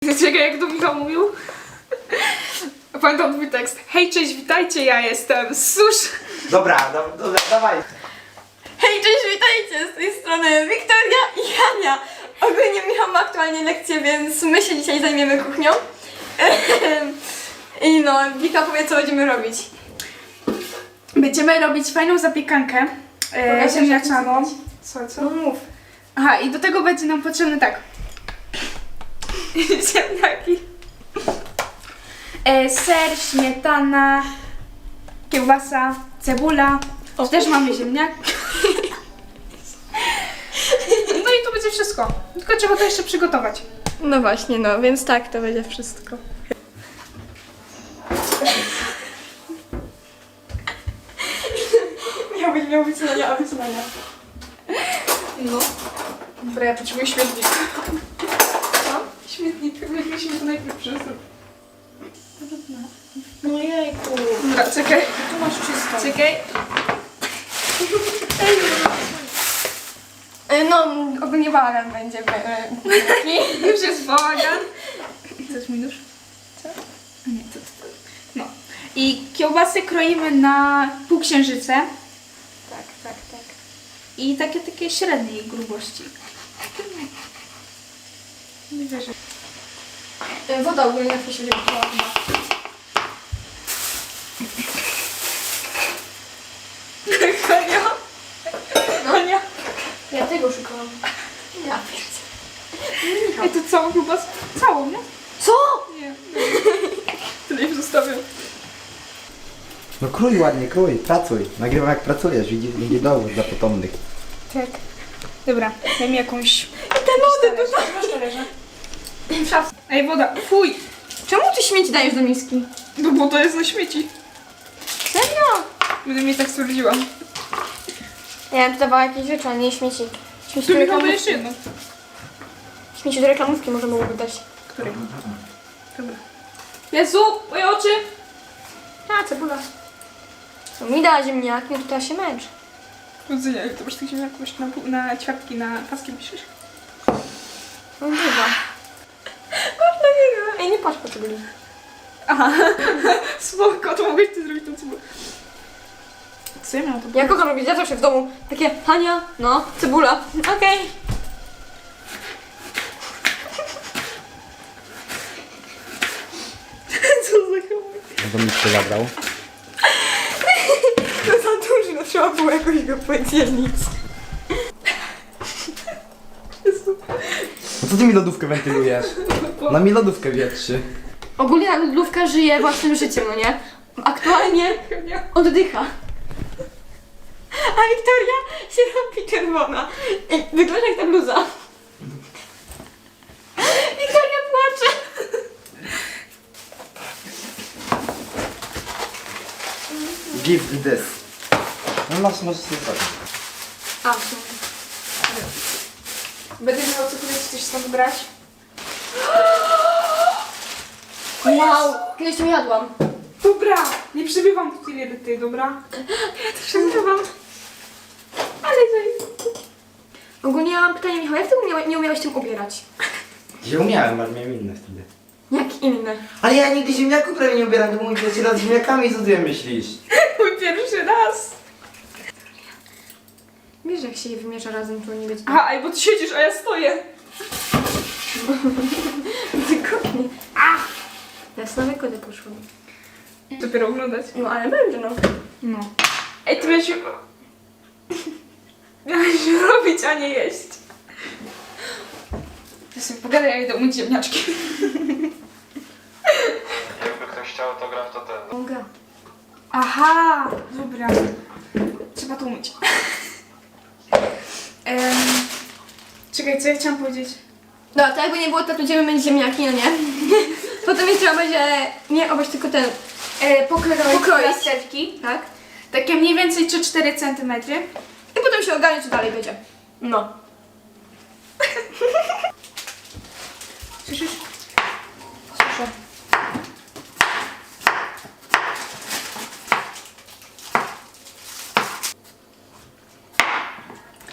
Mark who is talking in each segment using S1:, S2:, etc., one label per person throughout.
S1: Czekaj, jak to Michał mówił? Pamiętam twój tekst. Hej, cześć, witajcie, ja jestem Susz.
S2: Dobra, dawaj.
S3: Hej, cześć, witajcie! Z tej strony Wiktoria i Hania. Ogólnie Michał ma aktualnie lekcję, więc my się dzisiaj zajmiemy kuchnią. I no, Wika powie, co będziemy robić.
S1: Będziemy robić fajną zapiekankę ziemniaczaną. Co?
S3: No mów.
S1: Aha, i do tego będzie nam potrzebny tak. Ziemniaki. Ser, śmietana, kiełbasa, cebula. Też mamy ziemniak. No i to będzie wszystko. Tylko trzeba to jeszcze przygotować.
S3: No właśnie, no, więc tak, to będzie wszystko. Miał być Hania, a być Hania.
S1: No. Dobra, ja potrzebuję śmietnik.
S3: Co?
S1: Śmietnik, jakbyśmy to najpierw przesunąć.
S3: No jejku.
S1: Dobra, czekaj.
S3: Tu masz czysto.
S1: Czekaj.
S3: No, ogólnie bałagan będzie.
S1: Już jest bałagan. Chcesz mi nóż? Co? A nie, to. No. I kiełbasy kroimy na półksiężyce.
S3: Tak.
S1: I takie średniej grubości. Nie wierzę.
S3: Woda ogólnie na się wybrała.
S1: Konia. Konia.
S3: Ja tego szukałam. Ja pierdzie.
S1: I to całą kiełbasę? Całą, nie?
S3: Co?
S1: Nie. Tyle już zostawiam.
S2: No krój ładnie, krój, pracuj. Nagrywam jak pracujesz, widzi dowód dla potomnych.
S1: Tak. Dobra, daj mi jakąś...
S3: Te lody tutaj.
S1: Masz talerze? Ej, woda. Fuj.
S3: Czemu ty śmieci dajesz do miski?
S1: No bo to jest na śmieci.
S3: Serio?
S1: Będę mi tak stwierdziłam.
S3: Ja bym tu dawała jakieś rzeczy, a nie śmieci. Śmieci
S1: Tu
S3: do
S1: mi chyba
S3: reklamówki.
S1: jeszcze jedno.
S3: Śmieci do reklamówki możemy byłoby dać.
S1: Której? Dobra. Jezu, moje oczy!
S3: A, cebula. Co mi da ziemniaki, no to teraz się męcz.
S1: Rodzenia, to masz tych ziemniaków jeszcze na ćwiartki, na paski piszesz?
S3: No chyba. Patrz na niego. Ej, nie patrz po cebuli.
S1: Aha, spoko, to mogłeś ty zrobić tą cebulę. Co ja miałam to
S3: Ja kocham robić, ja zawsze w domu takie Hania, no, cebula, okej.
S1: Co za chłopie?
S2: No to mi się zabrał.
S3: To za duży, no trzeba było jakoś go podzielić.
S2: No co ty mi lodówkę wentylujesz? Na mi lodówkę wietrzy.
S3: Ogólnie lodówka żyje własnym życiem, no nie? Aktualnie oddycha. A Wiktoria się robi czerwona. I wygląda jak ta bluza. Wiktoria płacze.
S2: Give this. No masz sobie zrobić.
S3: A,
S1: Będę miała co kiedyś coś stąd brać?
S3: wow, kiedyś to jadłam.
S1: Dobra, nie przybywam tu tyle ty, dobra? Ja też przybywam. Ale
S3: Ogólnie ja mam pytanie, Michał, jak ty nie umiałeś tym ubierać?
S2: Ja umiałem, ale miałem inne wtedy.
S3: Jak inne?
S2: Ale ja nigdy ziemniaków prawie nie ubieram, to mój pierwszy raz z ziemniakami, co ty myślisz?
S1: mój pierwszy raz.
S3: Wiesz, jak się je wymiesza razem, to nie być.
S1: Aha, ej, bo ty siedzisz, a ja stoję.
S3: Wygodnie. A! Ja z nowej kody poszłam.
S1: Dopiero oglądać.
S3: No ale będzie, no.
S1: No. Ej, ty miałeś... Miałeś robić, a nie jeść. Ty sobie pogadaj, ja idę umyć ziemniaczki.
S4: Jakby ktoś chciał autograf, to ten.
S3: Mogę.
S1: Aha, dobra. Trzeba to umyć. Czekaj, co ja chciałam powiedzieć?
S3: No, to jakby nie było, to będziemy mieć ziemniaki, no nie? Potem jeszcze trzeba będzie, nie obejść tylko ten,
S1: Pokroić
S3: Pokroić.
S1: plasterki.
S3: tak?
S1: Takie mniej więcej 3-4 cm.
S3: I potem się ogarnie, co dalej będzie. No.
S1: Słyszysz?
S3: Słyszę.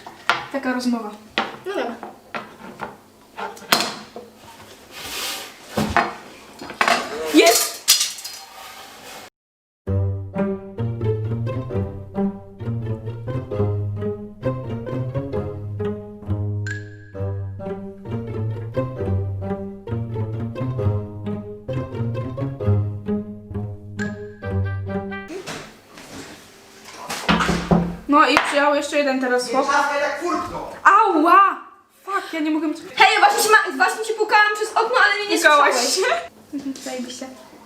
S1: Taka rozmowa.
S3: No dobra.
S1: Jest! No i przyjechał jeszcze jeden teraz chłop.
S2: Czapkę tak furtką.
S1: Ała! Fuck, ja nie mogę...
S3: Hej, właśnie ci pukałam przez okno, ale mnie nie
S1: Pukałaś
S3: słyszałeś.
S1: się? Zajebiście.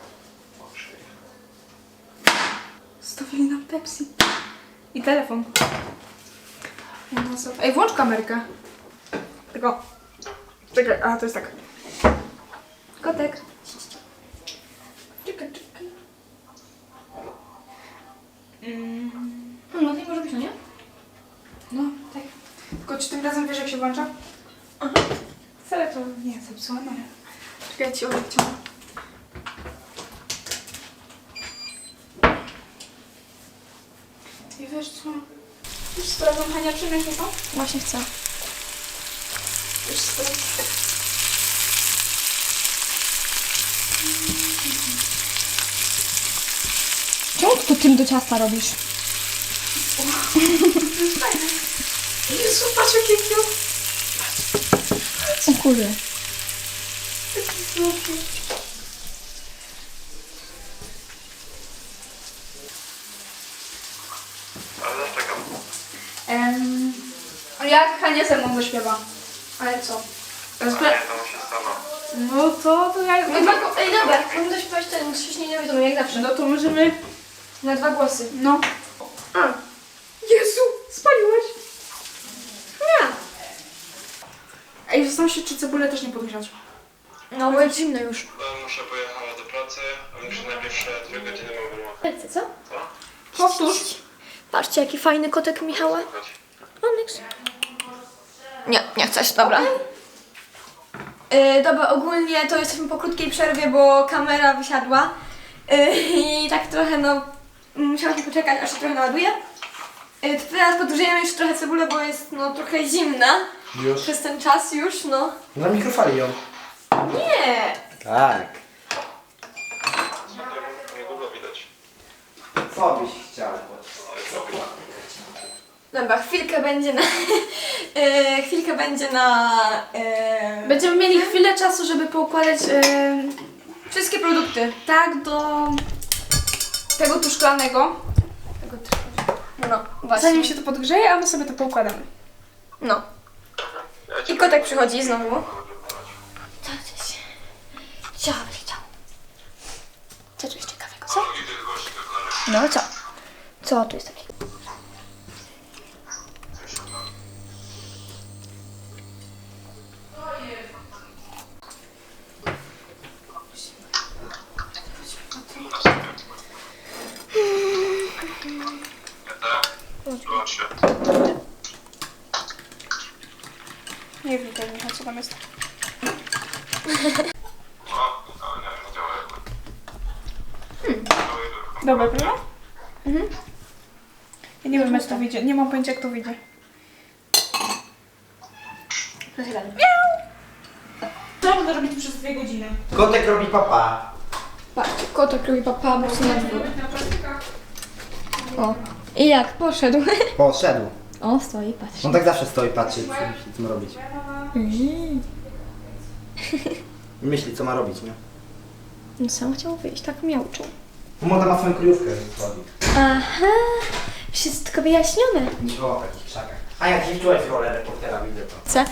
S1: Stawili nam Pepsi. I telefon. No, co- Ej, włącz kamerkę. Tylko... Czekaj, a to jest tak. Kotek. Czekaj, czekaj.
S3: No, nie może być, no nie?
S1: No, tak. Tylko czy tym razem wiesz jak się włącza? Aha. Wcale to nie zepsułam, ale... Czekaj, ja ci odciągnę. I wiesz co? Już sprawdzam Hania, czy nie chyba?
S3: Właśnie chcę.
S1: Już sprawdzam.
S3: Czemu ty tym do ciasta robisz?
S1: Jezu, patrz jakie cute.
S3: O kurde.
S4: Ale czekam.
S1: Jak Hania ze mną zaśpiewa? Ale co?
S4: A nie, to musi sama.
S1: No to ja...
S3: Ej, dobra, możemy zaśpiewać ten wcześniej nie wiadomo, jak zawsze.
S1: No to możemy...
S3: Na 2 głosy.
S1: No. Jezu, spaliłeś?
S3: Nie.
S1: Ej, zastanawiam się, czy cebulę też nie podgrzać.
S3: No, bo jest zimno już.
S4: Muszę pojechać do pracy, a muszę najpierw 2 godziny mam wymagać.
S3: Co?
S4: Co?
S1: Powtórz.
S3: Patrzcie, jaki fajny kotek Michała.
S4: Słuchać.
S3: Onyx. Nie chcesz, dobra. Dobra, ogólnie to jesteśmy po krótkiej przerwie, bo kamera wysiadła. I tak trochę, no, musiałyśmy poczekać, aż się trochę naładuje. Teraz podgrzejemy jeszcze trochę cebulę, bo jest, no, trochę zimna.
S2: Już?
S3: Przez ten czas już, no.
S2: Na mikrofali ją.
S3: Nie!
S2: Tak.
S4: Niedługo widać.
S2: Co byś chciał?
S3: Dobra, chwilkę będzie na... chwilkę będzie na...
S1: Będziemy mieli chwilę czasu, żeby poukładać
S3: wszystkie produkty.
S1: tak do tego tu szklanego.
S3: No, właśnie.
S1: Zanim się to podgrzeje, a my sobie to poukładamy.
S3: No.
S4: Ja cię
S3: I kotek przychodzi znowu. Co chcesz? Co byś chciał? Co tu jest ciekawego, co? No co? Co tu jest takiego?
S4: Wyłącz się.
S1: Nie wiem, co tam jest.
S4: O, ale nie działa jakby.
S1: Dobra, prawda? Ja nie wiem, jak to wyjdzie. Nie mam pojęcia, jak to wyjdzie. Co będę robić przez 2 godziny?
S2: Kotek robi papa.
S3: Patrzcie, kotek robi papa, bo na dwór. O. I jak? Poszedł.
S2: Poszedł.
S3: O, stoi, patrz.
S2: On tak zawsze stoi, patrzy, co myśli, co ma robić. Myśli, co ma robić, nie?
S3: No sam chciał wyjść, tak miauczył.
S2: Młoda ma swoją kryjówkę, więc chodzi.
S3: Aha, wszystko wyjaśnione.
S2: Nie było w takich krzakach. A jak się wczułeś w rolę reportera, widzę to.
S3: Co?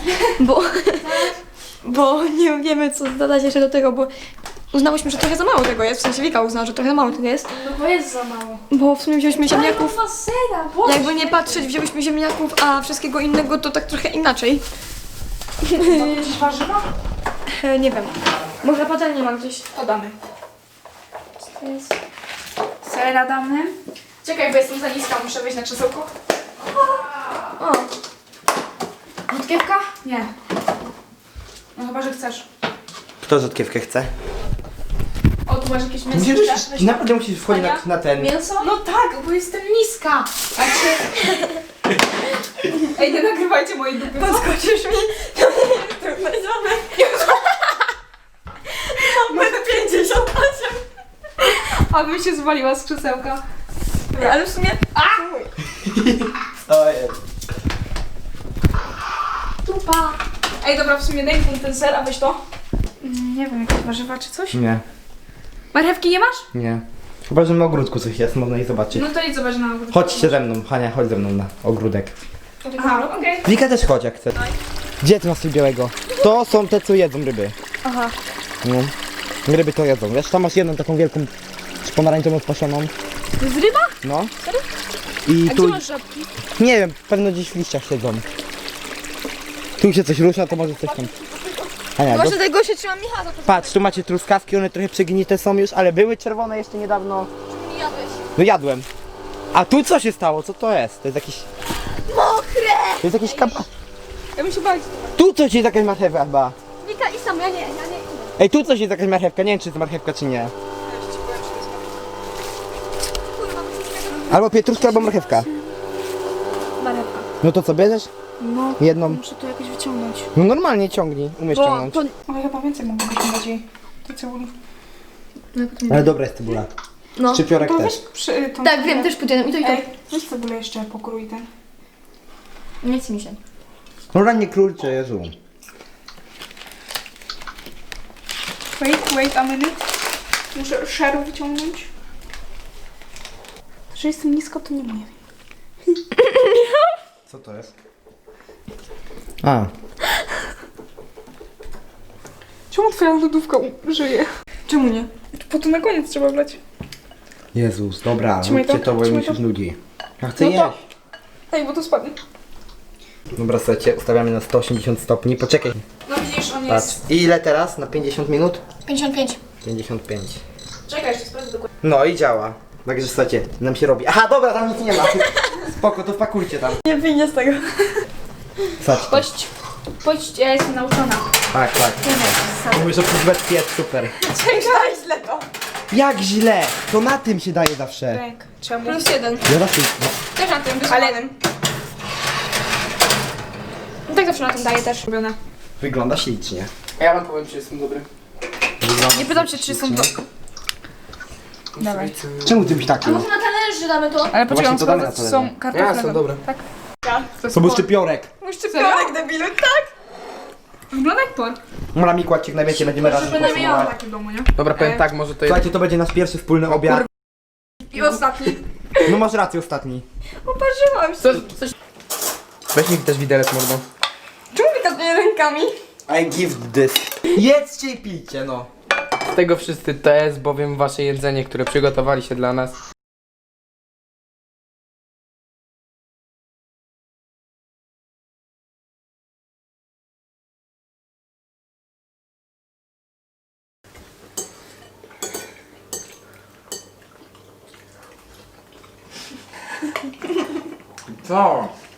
S3: Bo nie wiemy, co dodać jeszcze do tego, bo uznałyśmy, że trochę za mało tego jest. W sensie Wika uznała, że trochę za mało tego jest.
S1: No bo jest za mało.
S3: Bo w sumie wzięłyśmy ziemniaków.
S1: Sera, Boże.
S3: Jakby nie patrzeć, wzięłyśmy ziemniaków, a wszystkiego innego to tak trochę inaczej.
S1: Jakieś warzywa?
S3: Nie wiem. Może patelnię mam gdzieś.
S1: To damy.
S3: To jest...
S1: Sera damy. Czekaj, bo jestem za niska, muszę wejść na krzesełko.
S3: O,
S1: Rzutkiewka? Nie. No chyba, że chcesz.
S2: Kto rzutkiewkę chce?
S1: O, tu masz jakieś mięso?
S2: Musisz, naprawdę musisz wchodzić na ten...
S3: mięso?
S1: No tak, bo jestem niska. A czy... Ej, nie nagrywajcie mojej dupy.
S3: Podskoczysz mi? To nie jest trudne, ziomek. Metr 58.
S1: Aby się zwaliła z krzesełka.
S3: Ale w sumie...
S2: Ojej.
S3: Tupa.
S1: Ej, dobra, w sumie daj mi ten ser, a weź to. Nie wiem, jakieś warzywa czy coś?
S2: Nie,
S1: Marchewki nie masz?
S2: nie. Chyba, że na ogródku coś jest, można ich zobaczyć.
S1: No to idź zobacz na ogród.
S2: Chodźcie ze mną, Hania, chodź ze mną na ogródek.
S1: Aha, okej.
S2: Wika też chodź jak chce. Gdzie ty masz coś białego? To są te, co jedzą ryby.
S1: Aha.
S2: No. Ryby to jedzą. Wiesz, tam masz jedną taką wielką pomarańczową spasioną.
S1: To jest ryba?
S2: No. I
S1: A
S2: tu...
S1: gdzie masz żabki?
S2: Nie wiem, pewno gdzieś w liściach siedzą. Tu się coś rusza, to może coś tam... Ania,
S3: Właśnie tego się trzymam Michała.
S2: patrz, tu macie truskawki, one trochę przegnite są już, ale były czerwone jeszcze niedawno.
S3: Jadłeś.
S2: No jadłem. A tu co się stało? Co to jest? To jest jakiś...
S3: Mokre!
S2: To jest jakiś kap...
S1: Ja bym się bać.
S2: Tu coś jest jakaś marchewka chyba.
S3: Wika i sam, ja nie.
S2: Ej, tu coś jest jakaś marchewka, nie wiem czy to jest marchewka czy nie. Albo pietruszka, albo marchewka.
S3: Marewka.
S2: No to co, bierzesz?
S1: No,
S2: Jedną.
S1: muszę to jakoś wyciągnąć.
S2: No normalnie ciągnij, umiesz ciągnąć.
S1: Ale chyba więcej mogę wyciągać jej. To cebuli.
S2: Ale dobra jest cebula.
S3: No.
S2: Szczypiorek
S1: To
S2: też.
S1: weź przy... tą
S3: Tak,
S1: cebulę.
S3: wiem, też podzielę. I to i to.
S1: Ej, weź cebulę jeszcze pokrój ten.
S3: Nie chce mi się.
S2: No rannie królicze, Jezu.
S1: Wait a minute. Muszę szeru wyciągnąć. Że jestem nisko, to nie wiem.
S2: Co to jest? A,
S1: Czemu twoja lodówka żyje?
S3: Czemu nie?
S1: Po to na koniec trzeba wlać.
S2: Jezus, dobra,
S1: Trzymaj
S2: róbcie
S1: to,
S2: to, bo
S1: trzymaj
S2: mi się
S1: to.
S2: nudzi. Ja chcę
S1: No to-
S2: jeść.
S1: Ej, bo to spadnie.
S2: Dobra, słuchajcie, ustawiamy na 180 stopni. Poczekaj,
S1: No widzisz, on
S2: patrz.
S1: jest...
S2: I ile teraz? Na 50 minut?
S3: 55.
S2: 55.
S1: Czekaj, jeszcze sprawdzę dokładnie.
S2: No i działa. Także słuchajcie, nam się robi. Aha, dobra, tam nic nie ma. Spoko, to wpakujcie tam.
S3: Nie wyjdzie z tego.
S2: Słuchajcie.
S1: Pójdź, ja jestem nauczona.
S2: Tak, tak. Mówisz o przyzwet jest super.
S3: Czekaj, źle to.
S2: Jak źle? To na tym się daje zawsze.
S1: Tak. Czemu?
S3: Plus 1.
S2: Ja zawsze...
S3: Też na tym wysuwanym. No tak zawsze na tym daję też.
S1: Robione.
S2: Wygląda ślicznie.
S5: A ja wam powiem, czy jestem dobry.
S2: Wygląda
S1: Nie pytam się, czy są to... Dawaj.
S2: Czemu ty byś taki?
S3: Może na talerze damy to?
S1: Ale poczekaj,
S2: Właśnie, to damy na
S1: sprawdzę, czy
S2: talerze.
S1: są kartofle.
S5: Ja, są dobre.
S1: Tak.
S2: To był szczypiorek.
S3: Szczypiorek debilu, tak?
S1: Wygląda jak por.
S2: Mola mi kładźcie na wiecie, będziemy razem
S1: Przynajmniej ja mam
S2: podsumować.
S1: takie w domu, nie?
S5: Dobra, powiem tak, może to jest...
S2: Słuchajcie, to będzie nasz pierwszy wspólny obiad.
S3: I ostatni.
S2: No masz rację, ostatni.
S3: Poparzyłam się.
S5: Coś... Weź mi też widelec mordą.
S3: Czemu wykazuje rękami?
S2: I give this. Jedzcie i pijcie, no.
S5: Z tego wszyscy to jest bowiem wasze jedzenie, które przygotowaliście dla nas. Co?